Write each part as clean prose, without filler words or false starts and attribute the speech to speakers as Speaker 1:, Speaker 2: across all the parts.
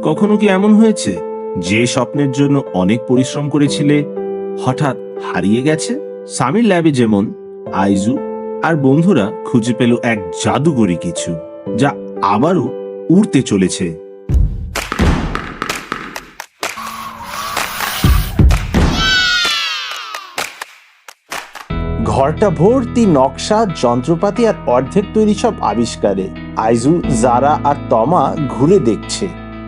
Speaker 1: কখনো কি এমন হয়েছে যে স্বপ্নের জন্য অনেক পরিশ্রম করেছিলে হঠাৎ হারিয়ে গেছে? সামির ল্যাবে যেমন আইজু আর বন্ধুরা খুঁজে পেল এক জাদুকরী কিছু, যা আবারও উড়তে চলেছে।
Speaker 2: ঘরটা ভর্তি নকশা, যন্ত্রপাতি আর অর্ধেক তৈরি সব আবিষ্কারে। আইজু, জারা আর তমা ঘুরে দেখছে।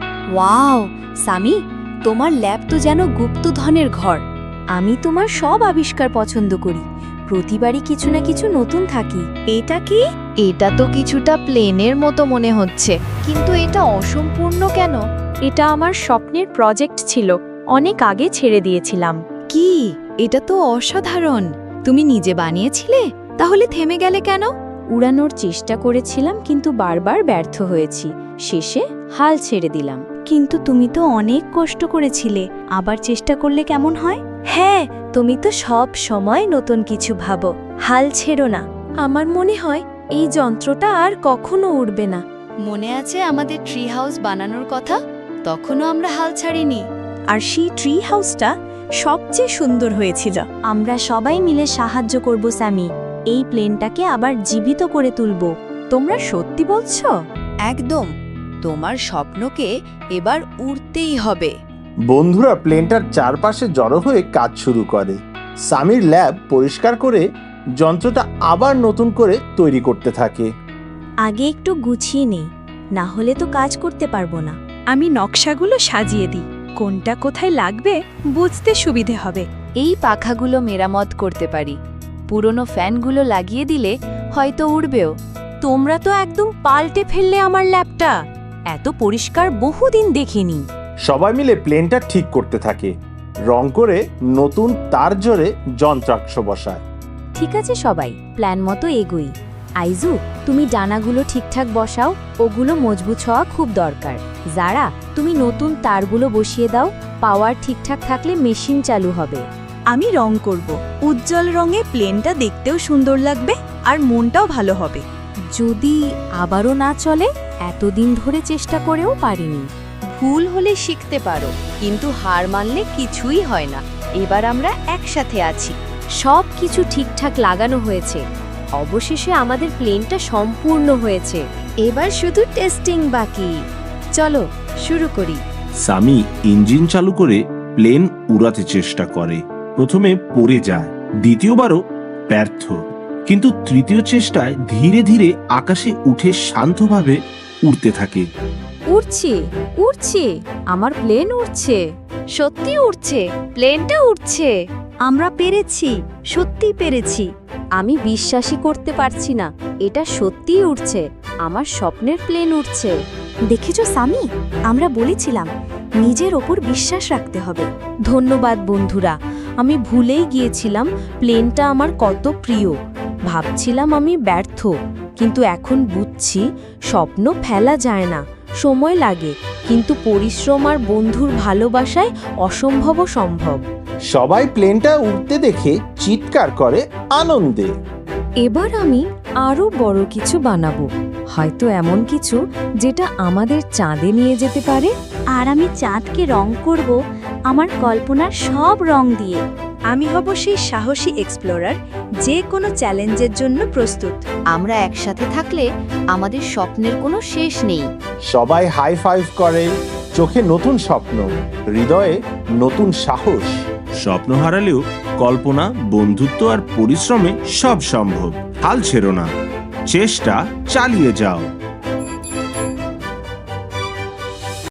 Speaker 3: ওয়াও সামি, তোমার ল্যাব তো যেন গুপ্তধনের ঘর। আমি তোমার সব আবিষ্কার পছন্দ করি। প্রতিবারই কিছু না কিছু নতুন থাকি। এটা কি?
Speaker 4: এটা তো কিছুটা প্লেনের মতো মনে হচ্ছে, কিন্তু এটা অসম্পূর্ণ কেন?
Speaker 3: এটা আমার স্বপ্নের প্রজেক্ট ছিল, অনেক আগে ছেড়ে দিয়েছিলাম।
Speaker 4: কি? এটা তো অসাধারণ। তুমি নিজে বানিয়েছিলে? তাহলে থেমে গেলে কেন?
Speaker 3: উড়ানোর চেষ্টা করেছিলাম, কিন্তু বারবার ব্যর্থ হয়েছি। শেষে হাল ছেড়ে দিলাম। কিন্তু তুমি তো অনেক কষ্ট করেছিলে, আবার চেষ্টা করলে কেমন হয়? হ্যাঁ, তুমি তো সব সময় নতুন কিছু ভাবো। হাল ছেড়ো না। আমার মনে হয় এই যন্ত্রটা আর কখনো উড়বে না।
Speaker 4: মনে আছে আমাদের ট্রি হাউস বানানোর কথা? তখনও আমরা হাল ছাড়িনি।
Speaker 3: আর সেই ট্রি হাউসটা সবচেয়ে সুন্দর হয়েছিল। আমরা সবাই মিলে সাহায্য করব স্যামি, এই প্লেনটাকে আবার জীবিত করে তুলব। তোমরা সত্যি বলছো?
Speaker 4: একদম। তোমার স্বপ্নকে এবার উড়তেই হবে।
Speaker 2: বন্ধুরা প্লেনটার চারপাশে জড়ো হয়ে কাজ শুরু করে। সামির ল্যাব পরিষ্কার করে যন্ত্রটা আবার নতুন করে তৈরি করতে থাকে।
Speaker 3: আগে একটু গুছিয়ে নেই, না হলে তো কাজ করতে পারবো না। আমি নকশাগুলো সাজিয়ে দিই, কোনটা কোথায় লাগবে বুঝতে সুবিধে হবে।
Speaker 4: এই পাখাগুলো মেরামত করতে পারি। পুরনো ফ্যানগুলো লাগিয়ে দিলে হয়তো উড়বেও।
Speaker 3: তোমরা তো একদম পাল্টে ফেললে আমার ল্যাবটা। এত পরিষ্কার বহুদিন দেখিনি।
Speaker 2: সবাই মিলে প্লেনটা ঠিক করতে থাকে, রং করে নতুন তার জোরে যন্ত্রাংশ বসায়।
Speaker 3: ঠিক আছে সবাই, প্ল্যান মতো এগোই। আইজু, তুমি ডানাগুলো ঠিকঠাক বসাও, ওগুলো মজবুত হওয়া খুব দরকার। যারা, তুমি নতুন তারগুলো বসিয়ে দাও। পাওয়ার ঠিকঠাক থাকলে মেশিন চালু হবে। আমি রং করব। উজ্জ্বল রঙে প্লেনটা দেখতেও সুন্দর লাগবে আর মনটাও ভালো হবে। যদি আবারও না চলে, এতদিন ধরে চেষ্টা করেও পারিনি।
Speaker 4: ভুল হলে শিখতে পারো, কিন্তু হার মানলে কিছুই হয় না। এবার আমরা একসাথে আছি।
Speaker 3: সব কিছু ঠিকঠাক লাগানো হয়েছে। অবশেষে আমাদের প্লেনটা সম্পূর্ণ হয়েছে। এবার শুধু টেস্টিং বাকি। চলো শুরু করি।
Speaker 1: সামি ইঞ্জিন চালু করে প্লেন উড়াতে চেষ্টা করে। প্রথমে পড়ে যায়, দ্বিতীয়বারও ব্যর্থ, কিন্তু তৃতীয় চেষ্টায় ধীরে ধীরে আকাশে উঠে শান্তভাবে উড়তে থাকে।
Speaker 3: উড়ছে উড়ছে, আমার প্লেন উড়ছে।
Speaker 4: সত্যি উড়ছে, প্লেনটা উড়ছে।
Speaker 3: আমরা পেরেছি, সত্যি পেরেছি। আমি বিশ্বাসই করতে পারছি না, এটা সত্যিই উড়ছে। আমার স্বপ্নের প্লেন উড়ছে। দেখেছো সামি, আমরা বলেছিলাম নিজের ওপর বিশ্বাস রাখতে হবে। ধন্যবাদ বন্ধুরা, আমি ভুলেই গিয়েছিলাম প্লেনটা আমার কত প্রিয়। ভাবছিলাম আমি ব্যর্থ, কিন্তু এখন বুঝছি স্বপ্ন ফেলা যায় না, সময় লাগে, কিন্তু পরিশ্রম আর বন্ধুর ভালোবাসায় অসম্ভবও সম্ভব।
Speaker 2: সবাই প্লেনটা উঠতে দেখে চিৎকার করে আনন্দে।
Speaker 3: এবার আমি আরো বড় কিছু বানাবো, হয়তো এমন কিছু যেটা আমাদের চাঁদে নিয়ে যেতে পারে। আর আমি চাঁদকে রং করব আমার কল্পনার সব রং দিয়ে। আমি হব সেই সাহসী এক্সপ্লোরার, যে কোনো চ্যালেঞ্জের জন্য প্রস্তুত।
Speaker 4: আমরা একসাথে থাকলে আমাদের স্বপ্নের কোনো শেষ নেই।
Speaker 2: সবাই হাই ফাইভ করে, চোখে নতুন স্বপ্ন, হৃদয়ে নতুন সাহস।
Speaker 1: স্বপ্ন হারালেও কল্পনা, বন্ধুত্ব আর পরিশ্রমে সব সম্ভব। হাল ছেড়ো না, চেষ্টা চালিয়ে যাও।